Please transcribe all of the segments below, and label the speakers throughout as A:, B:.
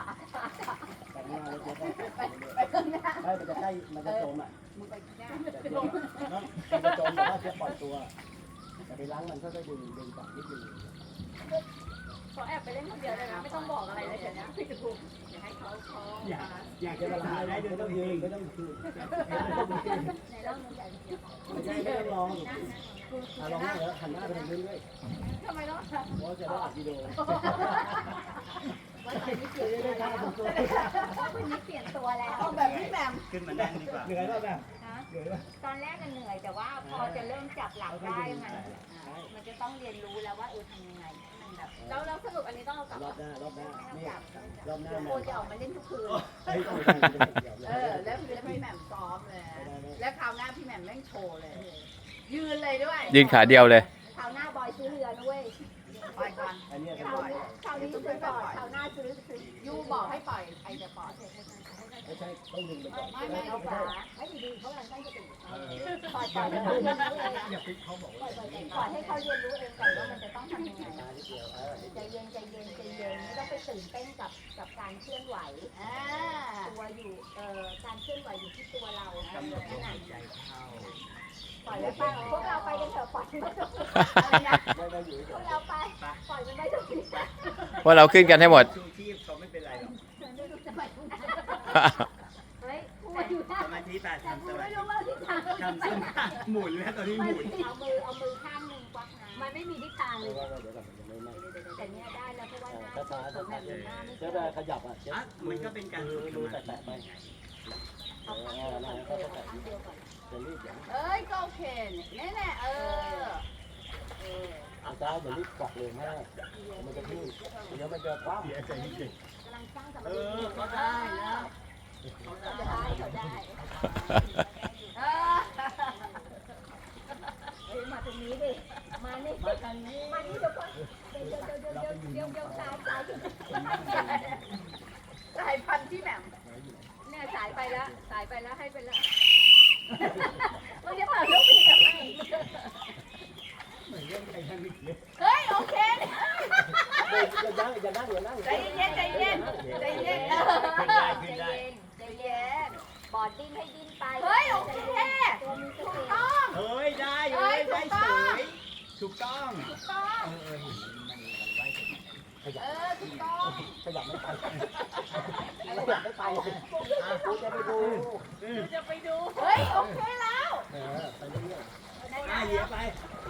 A: แต่งหน้าแล้วจะไปข้างหน้าไม่มันจะใกล้มันจะจมอ่ะมึงไปข้างหน้ามันจะจมแต่ว่าจะปล่อยตัวแต่ไปล้างมันก็จะดึงกลับนิดนึง
B: ขอแอบไปเล่นคนเดียวเลยนะไม่ต้องบอกอะไรเลยเดี๋ยวนะพี่จะถูกอย่าให้เขา
A: อยากจะละลายได้ไม่ต้องยืนไม่ต้องยืน
B: ในเรื่องนึงใหญ่
A: ไม่ใช่ไม่ต้องลองลองหน้าแล้วหันหน้าไปทางนู้นด้วย
B: ทำไมต้อง
A: เพราะจะได้อัดวิดีโอ
B: วันนี้เปลี่ยนตัวแล้ววันนี้เปลี่ยนตัวแล้วแบบพี่แบม
C: ขึ้นมานั่งดีกว่า
A: เหนื่อยป่ะแบบเหนื่อยป่ะ
B: ตอนแรกเหนื่อยแต่ว่าพอจะเริ่มจับหลักได้มันจะต้องเรียนรู้แล้วว่าทำยังไงมันแบบแล้วสรุปอันนี้ต้องเอากลับ
A: รอบหน้นี่รอบหน้า
B: โคจะออกมาเล่นทุกคืนแล้วพี่แหม่มซ้อมเลยแล้วคราวหน้าพี่แหม่มแม่งโชว์เลยยืนเลยด้วย
D: ยืนขาเดียวเลย
B: คราวหน้าบอยซื้อเรือด้วยปล่อยก่อน
A: อันนี้
B: คราวนี้ซื้อก่อนคราวหน้าซื้อยูบอกให้ปล่อยใครจะปล่อย
A: ไม่ใช่ต้องดึงไปก่อน
B: ไม่เอาขาไม่ดีเขากำลังตั้งสติปล่อยให้เขาเรียนรู้เอง
A: อย่าปิดเขาบอก
B: ปล่อยให้เขาเรียนรู้เองก่อนว่ามันจะต้องทำยังไงใจเย็นไม่ต้องไปตื่นเต้นกับการเคลื่อนไหวตัวอยู่การเคลื่อนไหวอยู่ที่ตัวเรากำหนดขนาดปล่อยไปพวกเราไปกันเถอะปล่อยมันไปพวกเราไปปล่อยมันไปทุกที
D: ว่าเราขึ้นกันให้หมด
C: ชูชีพเขาไม่เป็นไรหรอก
B: เฮ้ย
C: สมาธิแต่ทำสมาธิทำส้นขาหมุนแล้วตอนนี้หมุน
B: เอามือข้างหนึ่งควักน้ำมันไม่มีทิศทางเลยแต่เนี้ยได้แล้วเพราะว่าหน้าแบบหน้าไม่
A: จะได้ขยับอ่ะ
C: มันก็เป็นการ
A: ดูแตะไป
B: เอาข้างเดียวก่อนเอ้ยก็โอเคเนี่ยแน่
A: อาจารย์อย่ารีบกวักเลยมากมันจะทิ้งเดี๋ยวมันจะคว่ำ
B: กำลังสร้างสมาธิ
C: ก็ได้แล้ว
B: เขาได้มาตรงนี้ดิมานี่เดี๋ยวก่อนเดี๋ยวสายพันธุ์ที่แหม่มเนี่ยสายไปแล้วให้ไปแล้วมันจะเปิดลูกปีทำไมเฮ้ยโอเค
A: อย่านั่ง
B: ใจเย็นบอดดิ้นให้ดิ้นไปเฮ้ยโอเคถูกต้อง
C: เฮ้ยได้เฉยถูกต้อง
B: ถูกต้อง
A: ขยับไม่ไปกูจะ
B: ไปดูเฮ้ยโอเคแล้ว
A: ไปเรื่อย
C: ๆเหยียบไป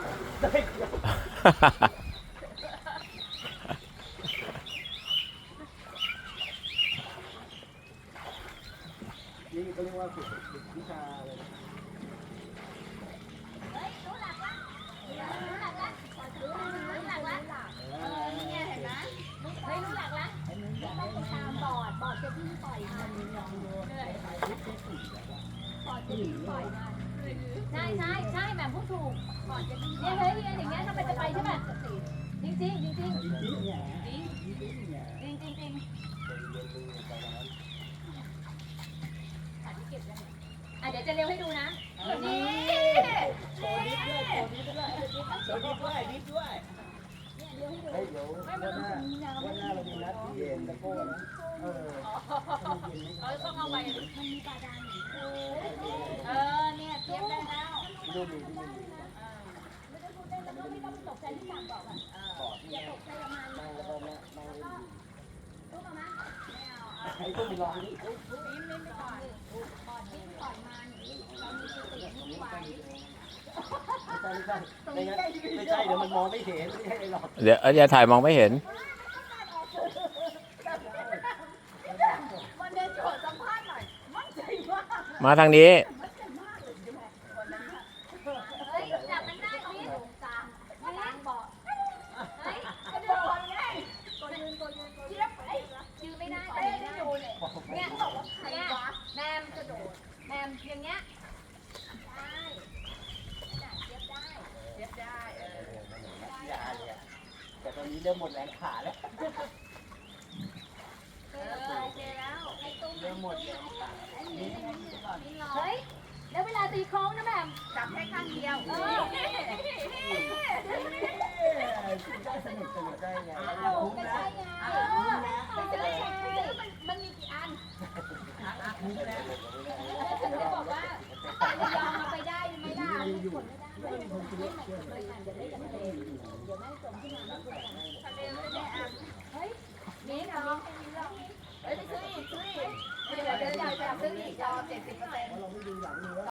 A: นี่เขาเรียกว่าฝึกวิชาอะไร
B: เฮ้ยรู้หลักละเนี่ยเห็นไหมไม่รู้หลักละต้องไปตามบอดจะวิ่งปล่อยมันบอดจะวิ่งปล่อยมันใช่แม่พูดถูกบอดจะวิ่งเนี่ยเฮ้ยอย่างเงี้ยถ้าไปจะไปใช่ไหมจริงเดี๋ยวจะเร็วให้ดูนะนี่
C: โชว์นิดด้วย
A: เดี๋ยววันหน้าเรามีนัดเย็นตะโก้นะ
B: ต้องเอาไปมันมีปลาดานเนี่ยเตรียมได้แล้ว
A: ดู
B: ไม่ได้พูดเล่นแล้วก็ไม่ต้องตกใจที่สั่งบอกอย่าตกใจกับมันรู้ป่ะมั้ย
A: ไอ้ตัวมีรองนี่
B: ไม่ก่อนดิ้นก่อนมันเรามีสตินิ่งไว้
A: ไม่ใช่เดี๋ยวมันมองไม่เห็นไม่ใช่หรอก
D: เดี๋ยวอย่าถ่ายมองไม่เห็น
B: มันเดินโจทย์สัมภาษณ์หน่อยมั่นใจมาก
D: มาทางนี้
B: เฮ้ยจับมันได้พี่กลางเบาะเฮ้ยกระโดดไงตัวยืนเทียบไปยืนไม่ได้แต่ไม่ได้เนี่ยบอกว่าใครวะแมมกระโดดแมมอย่างเงี้ย
A: แต่ตอนนี้เริ่มหมดแรงขาแล้ว
B: เริ่มหมดแรงขาเฮ้ยแล้วเวลาตีโค้งนะแม่จับแค่ข้างเดียว
A: ได้สนุกได้ไง
B: ไม่ใช่ไงไปเจอมันฉันจะบอกว่าระยองเอาไปได้ไหมล่ะขนไม่ได้ไม่เหมือนเลยค่ะเดี๋ยวได้กับทะเลเดี๋ยวแม่จมขึ้นมาแล้วคุณทะเลไม่ได้อ่ะเฮ้ยนี่ทำให้มีเรื่องเฮ้ยไปซื้ออีกเดี๋ยวจะซื้ออีกรอ70%
A: เราไม่ดูหลังเลย